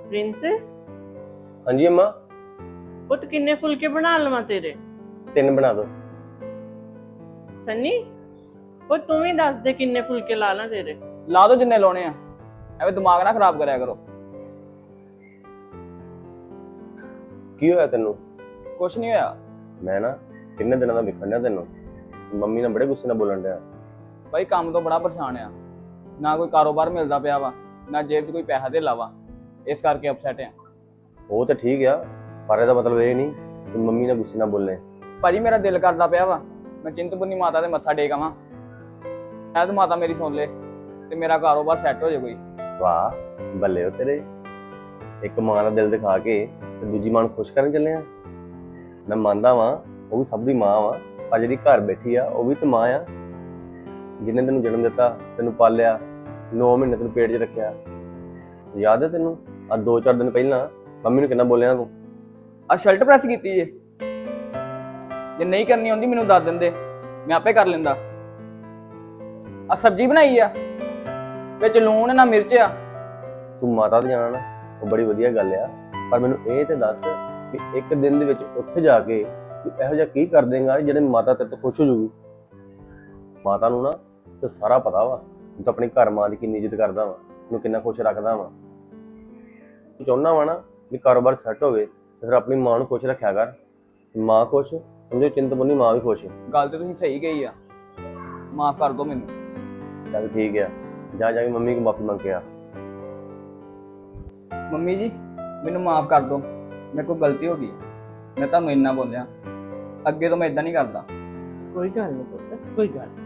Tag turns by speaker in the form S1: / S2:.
S1: Prince
S2: ਹਾਂਜੀ अम्मा
S1: पुत किन्ने फुलके बना लवा तेरे
S2: 3 बना दो।
S1: सन्नी वो तू ही दस दे किन्ने फुलके ला ला तेरे।
S3: ਲਾ ਦੋ ਜਿੰਨੇ ਲਾਉਣੇ ਆ ਐਵੇਂ ਦਿਮਾਗ ਨਾ ਖਰਾਬ ਕਰਿਆ ਕਰੋ।
S2: ਕੀ ਹੋਇਆ ਤੈਨੂੰ?
S3: ਕੁਛ ਨਹੀਂ ਹੋਇਆ
S2: ਮੈਂ ਨਾ ਕਿੰਨੇ ਦਿਨਾਂ ਦਾ ਵਿਖਣ ਡਿਆ ਤੈਨੂੰ। ਮੰਮੀ ਨਾਲ ਬੜੇ ਗੁੱਸੇ ਨਾਲ ਬੋਲਣ ਡਿਆ।
S3: ਬਾਈ ਕੰਮ ਤੋਂ ਬੜਾ ਪਰੇਸ਼ਾਨ ਆ, ਨਾ ਕੋਈ ਕਾਰੋਬਾਰ ਮਿਲਦਾ ਪਿਆ ਵਾ, ਨਾ ਜੇਬ 'ਚ ਕੋਈ ਪੈਸਾ ਧੇਲਾ ਵਾ, ਇਸ ਕਰਕੇ ਅਪਸੈਟ ਆ।
S2: ਉਹ ਤਾਂ ਠੀਕ ਆ, ਪਰ ਇਹਦਾ ਮਤਲਬ ਇਹ ਨਹੀਂ ਕਿ ਮੰਮੀ ਨਾਲ ਗੁੱਸੇ ਨਾਲ ਬੋਲੇ।
S3: ਭਾਜੀ ਮੇਰਾ ਦਿਲ ਕਰਦਾ ਪਿਆ ਵਾ ਮੈਂ ਚਿੰਤਪੁਰਨੀ ਮਾਤਾ ਦੇ ਮੱਥਾ ਟੇਕ ਆਵਾਂ, ਸ਼ਾਇਦ ਮਾਤਾ ਮੇਰੀ ਸੁਣ ਲੇ ਤੇ ਮੇਰਾ ਕਾਰੋਬਾਰ ਸੈੱਟ ਹੋ ਜਾਏ ਕੋਈ।
S2: ਵਾਹ ਬੱਲੇ ਹੋ ਤੇਰੇ, ਇੱਕ ਮਾਂ ਦਾ ਦਿਲ ਦਿਖਾ ਕੇ ਤੇ ਦੂਜੀ ਮਾਂ ਨੂੰ ਖੁਸ਼ ਕਰਨ ਚੱਲੇ ਆ। ਮੈਂ ਮੰਨਦਾ ਵਾਂ ਉਹ ਵੀ ਸਭ ਦੀ ਮਾਂ ਵਾ, ਪਰ ਜਿਹੜੀ ਘਰ ਬੈਠੀ ਆ ਉਹ ਵੀ ਤੇ ਮਾਂ ਆ, ਜਿਹਨੇ ਤੈਨੂੰ ਜਨਮ ਦਿੱਤਾ, ਤੈਨੂੰ ਪਾਲਿਆ, 9 ਮਹੀਨੇ ਤੈਨੂੰ ਪੇਟ 'ਚ ਰੱਖਿਆ। ਯਾਦ ਹੈ ਤੈਨੂੰ ਆ 2-4 ਦਿਨ ਪਹਿਲਾਂ ਮੰਮੀ ਨੂੰ ਕਿੰਨਾ ਬੋਲਿਆ ਤੂੰ?
S3: ਆ ਸ਼ਰਟ ਪ੍ਰੈਸ ਕੀਤੀ ਜੇ ਨਹੀਂ ਕਰਨੀ ਆਉਂਦੀ ਮੈਨੂੰ ਦੱਸ ਦਿੰਦੇ, ਮੈਂ ਆਪੇ ਕਰ ਲੈਂਦਾ। ਆ ਸਬਜ਼ੀ ਬਣਾਈ ਆ, ਵਿੱਚ ਲੂਣ ਨਾ ਮਿਰਚ ਆ।
S2: ਤੂੰ ਮਾਤਾ ਤੇ ਜਾਣਾ ਨਾ ਉਹ ਬੜੀ ਵਧੀਆ ਗੱਲ ਆ, ਪਰ ਮੈਨੂੰ ਇਹ ਤੇ ਦੱਸ ਕਿ ਇੱਕ ਦਿਨ ਦੇ ਵਿੱਚ ਉੱਥੇ ਜਾ ਕੇ ਤੂੰ ਇਹੋ ਜਿਹਾ ਕੀ ਕਰ ਦੇਂਗਾ ਜਿਹੜੇ ਮਾਤਾ ਤੇਰੇ ਤੋਂ ਖੁਸ਼ ਹੋ ਜੂਗੀ? ਮਾਤਾ ਨੂੰ ਨਾ ਤੇ ਸਾਰਾ ਪਤਾ ਵਾ ਤੂੰ ਤਾਂ ਆਪਣੀ ਘਰ ਮਾਂ ਦੀ ਕਿੰਨੀ ਇੱਜ਼ਤ ਕਰਦਾ ਵਾ, ਉਹਨੂੰ ਕਿੰਨਾ ਖੁਸ਼ ਰੱਖਦਾ ਵਾ। ਤੂੰ ਚਾਹੁੰਦਾ ਵਾ ਨਾ ਵੀ ਕਾਰੋਬਾਰ ਸੈੱਟ ਹੋਵੇ ਤੇ ਫਿਰ ਆਪਣੀ ਮਾਂ ਨੂੰ ਖੁਸ਼ ਰੱਖਿਆ ਕਰ। ਮਾਂ ਖੁਸ਼ ਸਮਝੋ ਚਿੰਤਪੁਰਨੀ ਮਾਂ ਵੀ ਖੁਸ਼।
S3: ਗੱਲ ਤੇ ਤੁਸੀਂ ਸਹੀ ਕਹੀ ਆ, ਮਾਫ ਕਰ ਦਿਓ ਮੈਨੂੰ।
S2: ਚੱਲ ਠੀਕ ਆ, ਜਾ ਕੇ ਮੰਮੀ ਕੋਲ ਮਾਫੀ ਮੰਗ ਕੇ ਆ।
S3: ਮੰਮੀ ਜੀ ਮੈਨੂੰ ਮਾਫ ਕਰ ਦਿਓ, ਮੇਰੇ ਕੋਲ ਗਲਤੀ ਹੋ ਗਈ, ਮੈਂ ਤੁਹਾਨੂੰ ਇੰਨਾ ਬੋਲਿਆ, ਅੱਗੇ ਤੋਂ ਮੈਂ ਇਦਾਂ ਨਹੀਂ ਕਰਦਾ।
S1: कोई गल नहीं पुत, कोई गल नहीं।